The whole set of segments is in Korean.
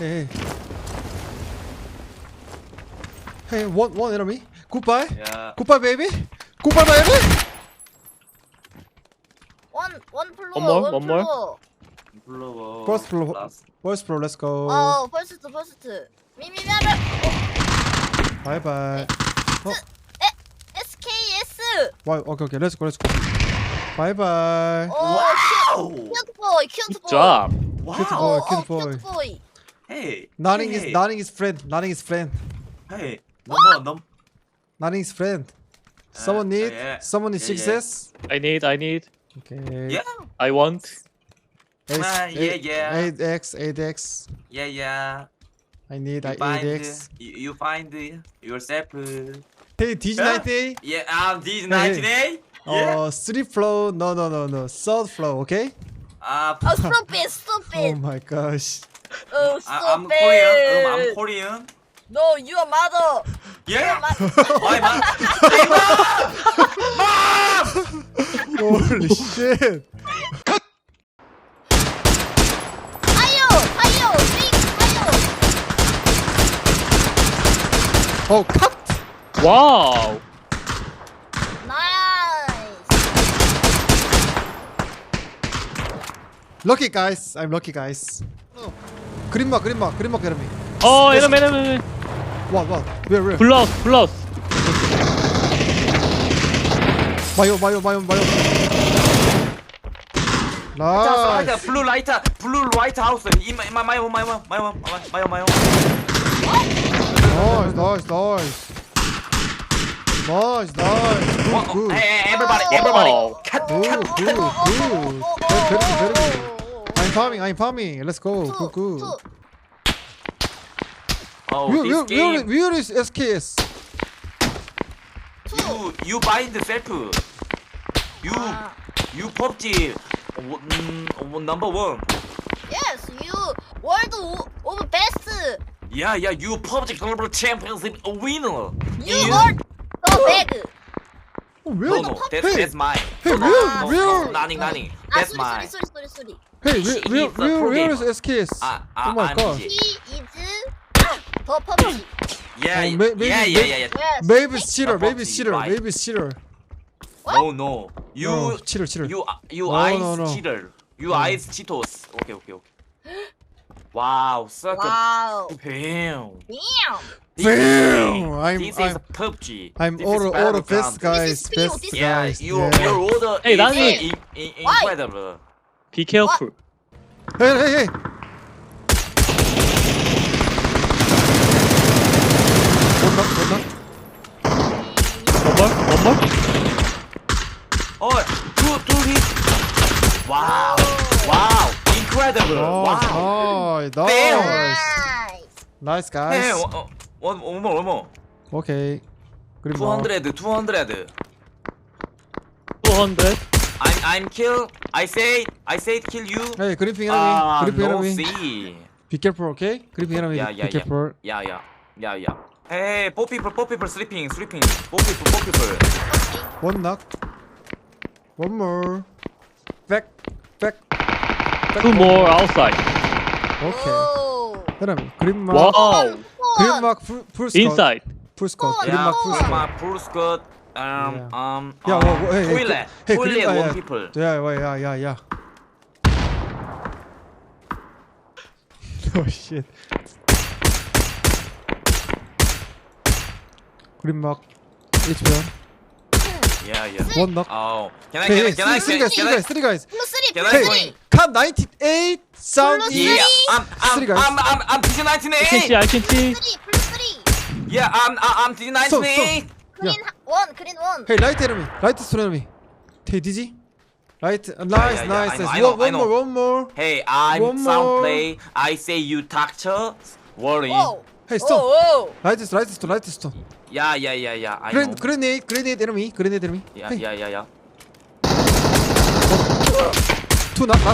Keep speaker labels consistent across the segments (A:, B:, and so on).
A: Hey. Hey, one enemy. Goodbye.
B: Yeah.
A: Goodbye, baby. Goodbye, baby.
C: One floor.
D: One more,
C: one
D: one more.
C: floor.
B: 플로버.
A: First floor.
B: 라스트.
A: First floor. Let's go.
C: first. 미미미하를.
A: Bye bye.
C: SKS.
A: Why? Okay. Let's go. Bye bye.
B: 와우.
C: 큐트 보이. 큐트
D: Good
C: 보이.
D: job.
B: 와우.
A: cute boy.
C: 큐트 보이.
B: Hey.
A: Nothing
B: hey.
A: is friend. Nothing is friend.
B: Hey. 넘버.
A: Nothing is friend. Someone need.
B: yeah.
A: Someone need
B: Yeah,
A: success.
D: I need.
A: Okay.
B: Yeah.
D: I want.
B: Yeah.
A: 8x.
B: Yeah.
A: I need
B: You find
A: 8x.
B: you find yourself.
A: Hey, DJ98.
B: Yeah, this 19A. Yeah.
A: 3 floor. No. Third floor. Okay.
C: Stupid.
A: Oh my gosh.
C: Stupid.
B: I'm Korean. I'm Korean.
C: No, your mother.
B: Yeah.
C: Your
B: My mom.
A: Holy shit.
C: Fire, big fire.
A: Oh, cut.
D: Wow.
C: Nice.
A: Lucky guys. I'm lucky guys. 그린막 enemy.
D: Oh, enemy.
A: What? Where?
D: Plus.
A: 마요. Nice.
B: Blue light house. In my home.
A: Nice. Good.
B: Hey, everybody.
D: Oh.
B: Cut.
A: Good. Very good. I'm farming. Let's go. Good.
C: Two.
B: Oh, this game.
A: Where is SKS?
B: You bind self. You PUBG. Number 1.
C: Yes, you world of best.
B: Yeah. You PUBG Global Championship winner.
C: You world so big.
B: No. That's mine.
A: Hey,
B: No,
A: where?
B: nothing. That's mine.
C: sorry.
A: Hey,
B: He is a pro
A: where is
B: gamer.
A: SKS? Oh my
B: I'm
A: god.
C: He
B: DJ.
C: is the PUBG.
B: Yeah.
A: maybe-
C: Yes.
A: Maybe it's cheater.
B: Right.
A: Maybe it's cheater.
B: No. You
A: No, cheater.
B: You
A: No,
B: ice
A: no.
B: cheater. You ice Cheetos. Okay. Wow, such a
C: Wow.
B: damn.
A: Damn.
B: This is PUBG.
A: I'm
B: This
A: all
B: is
A: the
B: Battleground.
A: best guys.
C: This is PO,
A: Best
C: this is-
B: Yeah,
A: guys.
B: your order
D: Hey,
B: is
D: Danny.
B: incredible.
D: Be careful.
A: Hey.
D: One more.
B: Oh, two hits. Wow, incredible. Wow.
A: Nice. Nice guys.
B: Hey, one more.
A: Okay. Good enough.
B: 200.
D: 200.
B: I'm kill. I say kill you.
A: Hey, gripping enemy. Gripping
B: no
A: enemy.
B: see.
A: Be careful, okay? Gripping enemy.
B: Yeah.
A: Be careful.
B: Yeah. Hey, four people sleeping. Four people.
A: One knock. One more. Back.
D: 2 more outside.
A: Okay.
C: Oh.
A: enemy. Grimmark.
D: Wow.
A: Grimmark full squad.
D: Inside.
A: Full squad.
C: Oh,
A: Grimmark full squad.
B: my full squad.
A: Hey,
B: toilet
A: Grim-
B: one people.
A: Yeah. Oh shit. Grimmark. It's one.
B: Yeah.
A: One knock.
B: Oh, can
A: Hey,
B: I?
A: three guys.
C: 플러스
B: Can I
C: 플러스
B: join?
A: Cut 98 sound
C: Plus
A: is.
B: Yeah,
A: Three guys.
B: I'm
D: I can see.
B: DJ19A.
D: I can see.
C: 플러스 3
B: Yeah, I'm DJ19A.
C: 그린 원
A: Hey, light enemy. Light is enemy. Hey, DG. Right. Nice.
B: I know.
A: One more.
B: Hey, I'm
A: One
B: sound
A: more.
B: play. I say you doctor. Worry.
C: 오
A: Hey, stop.
C: 오
A: Light stone.
B: Yeah. I know.
A: Grenade enemy. Hey,
B: Yeah.
A: two knock.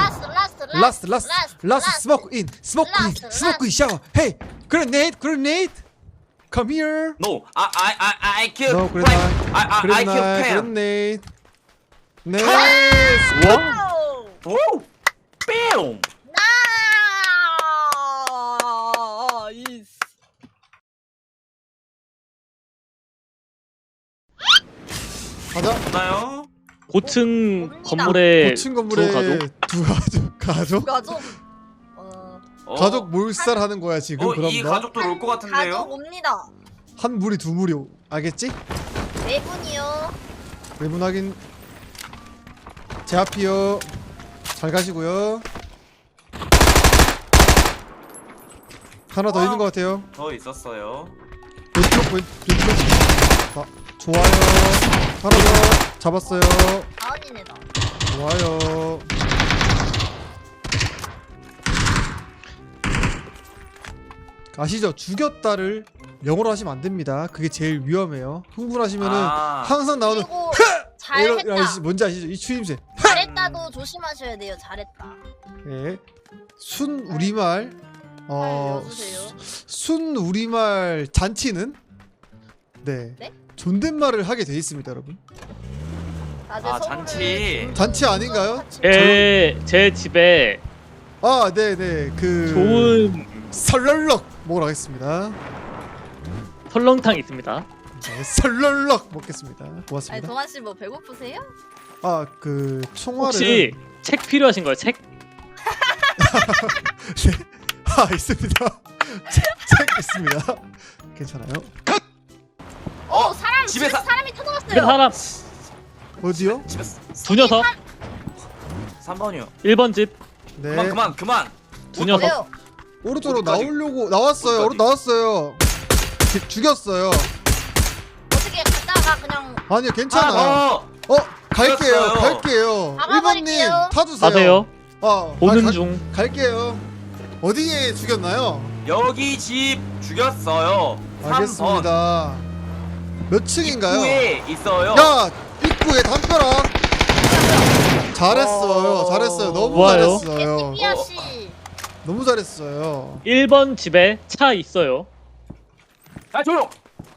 A: Last. Smoke in. Shower. Hey, grenade. Come here.
B: No, I kill.
A: No,
B: Frank. I kill Pam.
A: grenade. Nice.
D: Wow.
B: Woo! Bam!
A: 가자.
B: 없나요?
D: 고층
C: 옵니다.
D: 건물에
A: 고층 건물에 두 가족?
C: 가족.
A: 가족 몰살하는 거야 지금. 그럼
B: 이
A: 너?
B: 가족도 올 것
C: 가족
B: 같은데요?
C: 옵니다.
A: 한 무리 두 무리 알겠지?
C: 네 분이요.
A: 외분 확인. 제 앞이요. 잘 가시고요. 하나 더 있는 것 같아요.
B: 더 있었어요.
A: 왼쪽. 아, 좋아요. 하나 더 잡았어요.
C: 아은이네다.
A: 좋아요. 아시죠? 죽였다를 영어로 하시면 안 됩니다. 그게 제일 위험해요. 흥분하시면은 항상 나오는
C: 그리고
A: 이런
C: 잘했다.
A: 뭔지 아시죠? 이 추임새.
C: 잘했다도 조심하셔야 돼요. 잘했다.
A: 예. 순 우리말
C: 알려주세요.
A: 순 우리말 잔치는 네.
C: 네?
A: 존댓말을 하게 돼 있습니다, 여러분.
C: 다들
B: 아,
C: 서로를
B: 잔치.
C: 좀
A: 잔치 아닌가요?
C: 같이
D: 제 집에
A: 아, 네네. 그
D: 좋은
A: 설렁럭 먹으러 가겠습니다.
D: 설렁탕 있습니다.
A: 네, 설렁럭 먹겠습니다.
C: 아니
A: 고맙습니다.
C: 동환 씨 뭐 배고프세요?
A: 아, 그 총알을
D: 혹시 책 필요하신 거예요? 책?
A: 네. 아, 있습니다. 책 있습니다. 괜찮아요?
C: 사람
B: 집에
C: 집에
B: 사-
C: 사람이
D: 그
C: 터져갔어요.
D: 사람
A: 어디요?
B: 집에
D: 두 녀석
B: 3번이요.
D: 1번 집
A: 네.
B: 그만.
D: 두 녀석
C: 왜요?
A: 오른쪽으로
B: 어디까지?
A: 나오려고 나왔어요.
B: 어디까지?
A: 오른 나왔어요. 죽였어요.
C: 어떻게 갔다가 그냥
A: 아니요, 괜찮아요. 갈게요.
B: 죽였어요.
A: 갈게요.
C: 박아버릴게요.
A: 1번님 타주세요.
D: 가세요. 보는
A: 가-
D: 중.
A: 갈게요. 어디에 죽였나요?
B: 여기 집 죽였어요. 3번.
A: 알겠습니다. 몇 층인가요?
B: 입구에 있어요.
A: 야! 입구에 담벼락! 잘했어요. 잘했어요. 너무
D: 좋아요.
A: 잘했어요.
C: 삐아 씨.
A: 너무 잘했어요.
D: 1번 집에 차 있어요.
B: 아, 조용.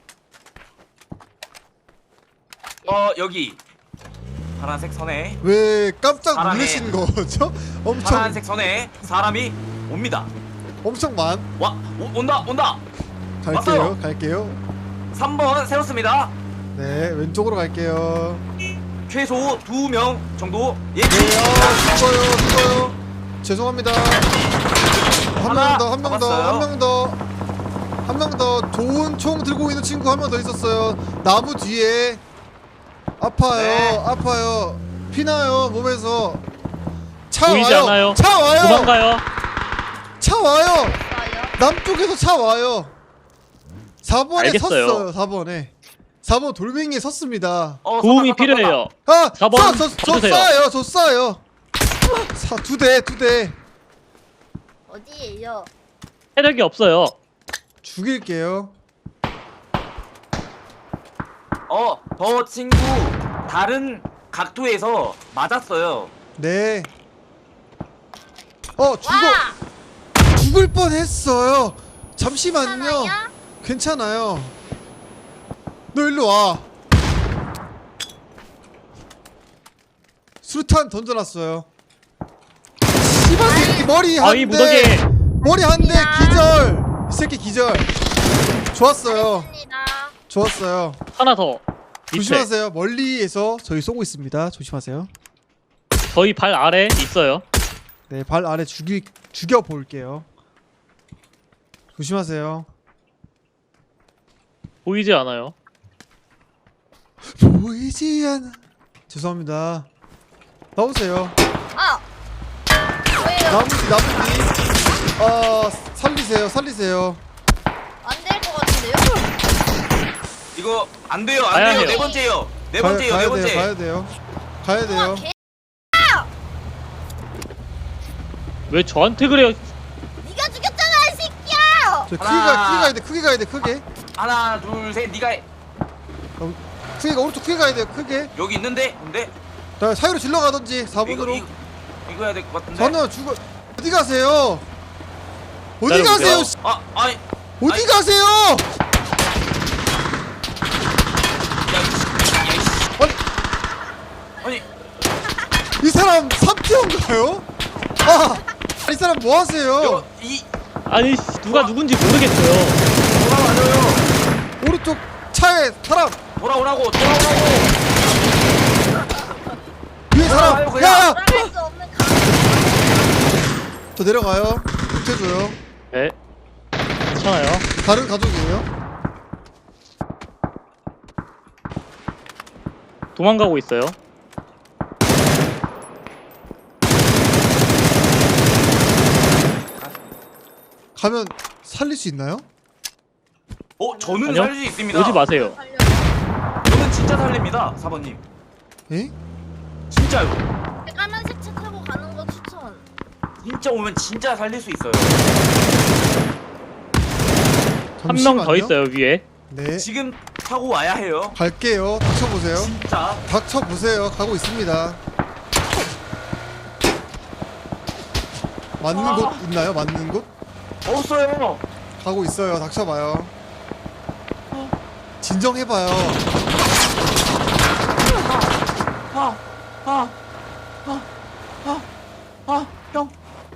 B: 여기 파란색 선에
A: 왜 깜짝
B: 사람의-
A: 놀라신 거죠? 엄청
B: 파란색 선에 사람이 옵니다.
A: 엄청
B: 온다.
A: 갈게요.
B: 왔어요.
A: 갈게요.
B: 3번 세웠습니다.
A: 네, 왼쪽으로 갈게요.
B: 최소 2명 정도
A: 네,
B: 예측.
A: 죽어요. 죄송합니다. 한 명 더, 한 명 더,
B: 잡았어요.
A: 한 명 더. 한 명 더. 좋은 총 들고 있는 친구 한 명 더 있었어요. 나무 뒤에. 아파요.
B: 네.
A: 아파요. 피나요, 몸에서. 차
D: 보이지
A: 와요.
D: 않아요.
A: 차 와요.
D: 도망가요.
A: 차 와요.
C: 좋아요.
A: 남쪽에서 차 와요. 4번에
D: 알겠어요.
A: 섰어요. 4번에. 4번 돌멩이에 섰습니다.
D: 도움이 필요해요.
A: 아!
D: 4번
A: 저
D: 봐주세요.
A: 쏴요. 저 쏴요. 두 대.
C: 어디에요?
D: 체력이 없어요.
A: 죽일게요.
B: 저 친구 다른 각도에서 맞았어요.
A: 네.
C: 와!
A: 죽을 뻔했어요. 잠시만요.
C: 하나야?
A: 괜찮아요. 너 일로 와. 수류탄 던져놨어요. 씨발 새끼 머리 한
D: 아이
A: 대.
D: 무더기에
A: 머리 한 대
C: 아니야.
A: 기절. 이 새끼 기절. 좋았어요.
C: 잘했습니다.
A: 좋았어요.
D: 하나 더. 밑에.
A: 조심하세요. 멀리에서 저희 쏘고 있습니다. 조심하세요.
D: 저희 발 아래 있어요.
A: 네, 발 아래 죽여 볼게요. 조심하세요.
D: 보이지 않아요.
A: 보이지 않아. 죄송합니다. 나오세요.
C: 아! 왜요?
A: 나머지 살리세요.
C: 안 될 것 같은데요?
B: 이거 안 돼요.
D: 가야 해요.
B: 네 번째요. 네 번째.
A: 가야 돼요.
C: 우와, 개
D: 왜 저한테 그래요?
C: 네가 죽였잖아, 이 새끼야!
A: 저
B: 하나.
A: 크게 가야 돼. 크게.
B: 하나, 둘, 셋. 네가 해.
A: 크게가 오른쪽 크게 가야 돼요. 크게.
B: 여기 있는데. 근데
A: 자, 사이로 질러 가든지 4번으로.
B: 이거 해야 될 것 같은데.
A: 저는 죽어. 어디 가세요? 어디
D: 기다려보세요.
A: 가세요? 씨.
B: 아니.
A: 어디
B: 아니.
A: 가세요?
B: 아니.
A: 이 사람 3티어인가요? 이 사람 뭐 하세요?
D: 아니 누가 누군지 모르겠어요.
B: 돌아와요.
A: 오른쪽 차에 사람.
B: 돌아오라고.
A: 뒤에 사람.
B: 아유, 그냥.
A: 야야.
C: 돌아갈 수 없는 강.
A: 저 내려가요. 못해줘요.
D: 네. 괜찮아요.
A: 다른 가족이에요.
D: 도망가고 있어요.
A: 가면 살릴 수 있나요?
B: 저는
D: 아니요.
B: 살릴 수 있습니다.
D: 오지 마세요.
C: 살려.
B: 저는 진짜 살립니다, 4번님.
A: 에?
B: 진짜요.
C: 까만색 차 타고 가는 거 추천.
B: 진짜 오면 진짜 살릴 수 있어요.
D: 한 명 더
A: 잠시만요.
D: 있어요 위에.
A: 네.
B: 지금 타고 와야 해요.
A: 갈게요. 닥쳐보세요.
B: 진짜.
A: 닥쳐보세요. 가고 있습니다. 맞는 곳 있나요? 맞는 곳?
B: 없어요.
A: 가고 있어요. 닥쳐봐요. 진정해봐요.
B: 형.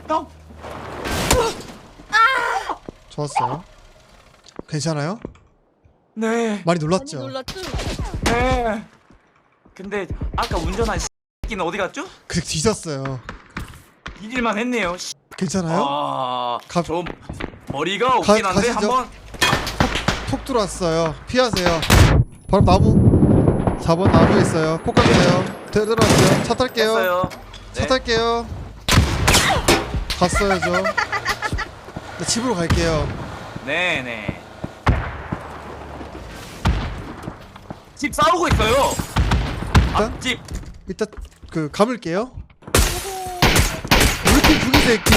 A: 좋았어요. 괜찮아요?
B: 네.
A: 많이
C: 많이
A: 놀랐죠?
C: 놀랐죠?
B: 네. 근데 아까 운전한 X끼는 어디 갔죠?
A: 그래 뒤졌어요.
B: 잊을만 했네요.
A: 괜찮아요? 가-
B: 저 머리가 없긴 한데
A: 가시죠.
B: 한번.
A: 톡 들어왔어요. 피하세요. 바로 나무. 4번 나무에 있어요. 폭 가주세요. 들어왔어요. 차 탈게요.
B: 했어요.
A: 차
B: 네.
A: 탈게요. 갔어요 저. 나 집으로 갈게요.
B: 네네. 집 싸우고 있어요.
A: 일단
B: 앞집.
A: 이따 그 감을게요. 우리 팀 죽이 새끼.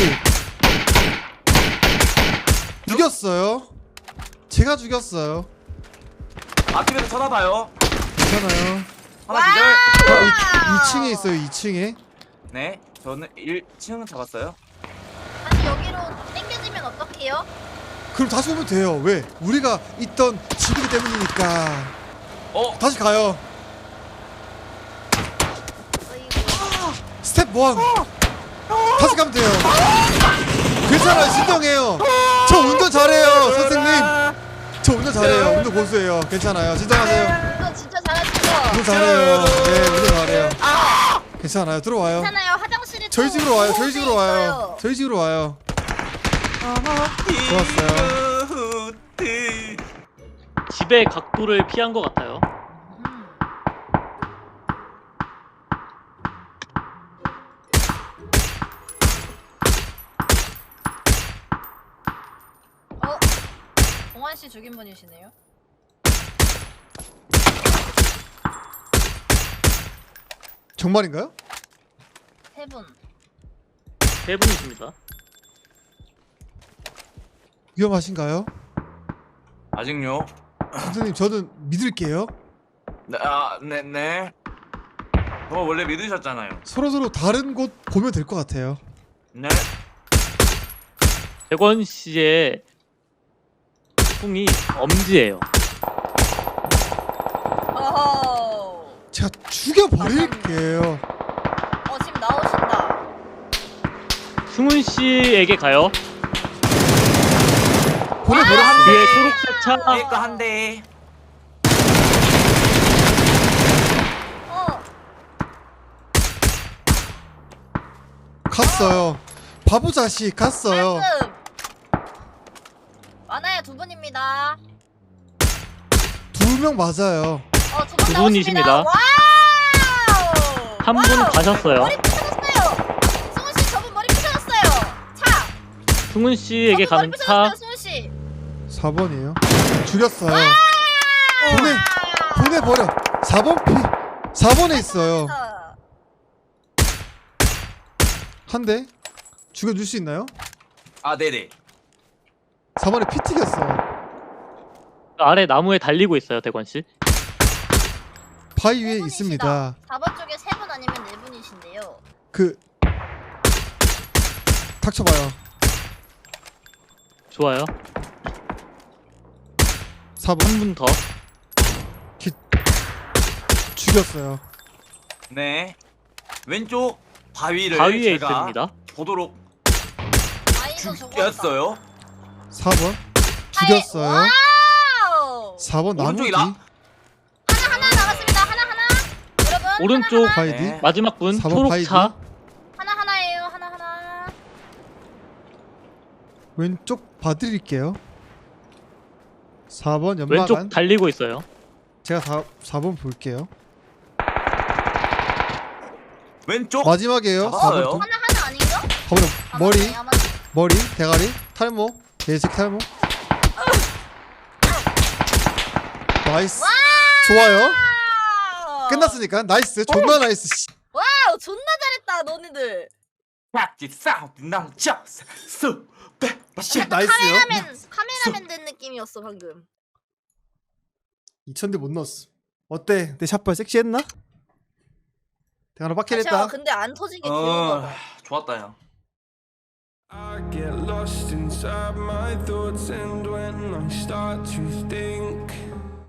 A: 죽였어요. 제가 죽였어요.
B: 앞집에서 쳐다봐요.
A: 괜찮아요.
B: 하나 기절.
A: 2층에 있어요. 2층에.
B: 네. 저는 1층 잡았어요.
C: 다시 여기로 땡겨지면 어떡해요?
A: 그럼 다시 오면 돼요. 왜? 우리가 있던 집이기 때문이니까. 다시 가요.
C: 어이구.
A: 스텝 1. 다시 가면 돼요. 괜찮아요. 진정해요. 저 운전 잘해요, 선생님. 저 운전 잘해요. 운전 고수예요. 괜찮아요. 진정하세요.
C: 이거 진짜 잘하시죠?
A: 운전 잘해요. 네, 운전 잘해요. 괜찮아요. 들어와요.
C: 괜찮아요. 화장실에
A: 저희
C: 또
A: 집으로 와요. 저희
C: 호흡이
A: 집으로 와요.
C: 있어요.
A: 저희 집으로 와요. 좋았어요.
D: 집의 각도를 피한 것 같아요.
C: 동환 씨 죽인 분이시네요.
A: 정말인가요?
C: 세 분.
D: 세 분이십니다.
A: 위험하신가요?
B: 아직요?
A: 선생님, 저는 믿을게요.
B: 네네. 저 원래 믿으셨잖아요.
A: 서로서로 다른 곳 보면 될 것 같아요.
B: 네.
D: 대권 씨의 풍이 엄지예요.
C: 어허.
A: 제가 죽여버릴게요.
C: 지금 나오신다.
D: 승훈 씨에게 가요.
A: 보내버렸어요.
D: 뒤에 초록색 차.
B: 이거 한 대.
A: 갔어요. 바보 자식 갔어요.
C: 말씀. 많아요. 두 분입니다.
A: 2명 맞아요.
C: 두 분
D: 두
C: 나오십니다.
D: 분이십니다.
C: 와우.
D: 한 분 가셨어요.
C: 머리 부셔졌어요. 승훈 씨, 저분 머리 부셔졌어요. 차.
D: 승훈 씨에게
C: 저분
D: 가는
C: 머리
D: 차.
C: 부셔졌어요, 승훈 씨.
A: 4번이에요. 죽였어요. 보내버려. 4번 피. 4번에 있어요. 한 대. 죽여줄 수 있나요?
B: 네네.
A: 4번에 피 튀겼어.
D: 아래 나무에 달리고 있어요, 대권 씨.
A: 바위 위에
C: 세 분이시다.
A: 있습니다.
C: 4번 쪽에 3분 아니면 4분이신데요.
A: 그 닥쳐봐요.
D: 좋아요.
A: 4번
D: 한 분 더.
A: 죽였어요.
B: 네. 왼쪽 바위를
D: 바위에
B: 제가
D: 있습니다.
B: 보도록
C: 아이도 죽었다.
B: 죽였어요.
A: 4번 죽였어요.
C: 와우.
A: 4번 나무 뒤.
B: 오른쪽이 나-
C: 하나 남았습니다. 하나. 여러분.
D: 오른쪽
A: 바이디.
B: 네.
D: 마지막 분
A: 4번 바이디.
D: 초록차.
C: 하나하나예요. 하나하나.
A: 왼쪽 봐드릴게요. 4번 연막
D: 왼쪽
A: 안.
D: 달리고 있어요.
A: 제가 4번 볼게요.
B: 왼쪽.
A: 마지막이에요.
B: 잡았어요.
A: 4번
C: 하나 아닌가?
A: 가보자. 머리,
C: 아, 맞네.
A: 머리, 대가리, 탈모, 예식 탈모. 나이스. 좋아요.
C: 와우.
A: 끝났으니까 나이스. 존나 나이스. 씨.
C: 와우, 존나 잘했다, 너네들.
B: 깍지 사운드 남자 수백 마시.
A: 나이스요.
C: 카메라맨 된 느낌이었어 방금.
A: 2000대 못 넣었어. 어때? 내 샷발 섹시했나? 대가리
C: 아,
A: 빡킬했다.
C: 근데 안 터진 게 귀여운가 봐.
B: 좋았다 형.
E: I get lost inside my thoughts, and when I start to think